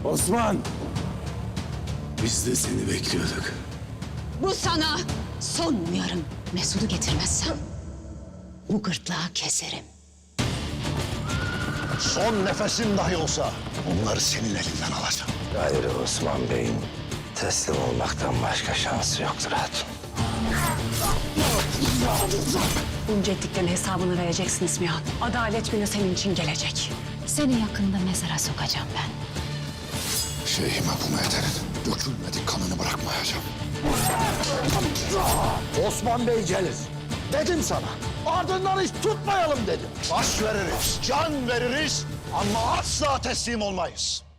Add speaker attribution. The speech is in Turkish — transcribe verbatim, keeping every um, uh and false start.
Speaker 1: Osman! Biz de seni bekliyorduk.
Speaker 2: Bu sana son uyarım. Mesut'u getirmezsem bu gırtlağı keserim.
Speaker 3: Son nefesim dahi olsa onları senin elinden alacağım.
Speaker 4: Gayrı Osman Bey'in teslim olmaktan başka şansı yoktur hatun.
Speaker 2: Bunca ettiklerin hesabını vereceksin İsmihat. Adalet günü senin için gelecek. Seni yakında mezara sokacağım ben.
Speaker 3: Şeyhime bu meterin dökülmedik kanını bırakmayacağım. Osman Bey gelir. Dedim sana. Ardından hiç tutmayalım dedim. Baş veririz, can veririz ama asla teslim olmayız.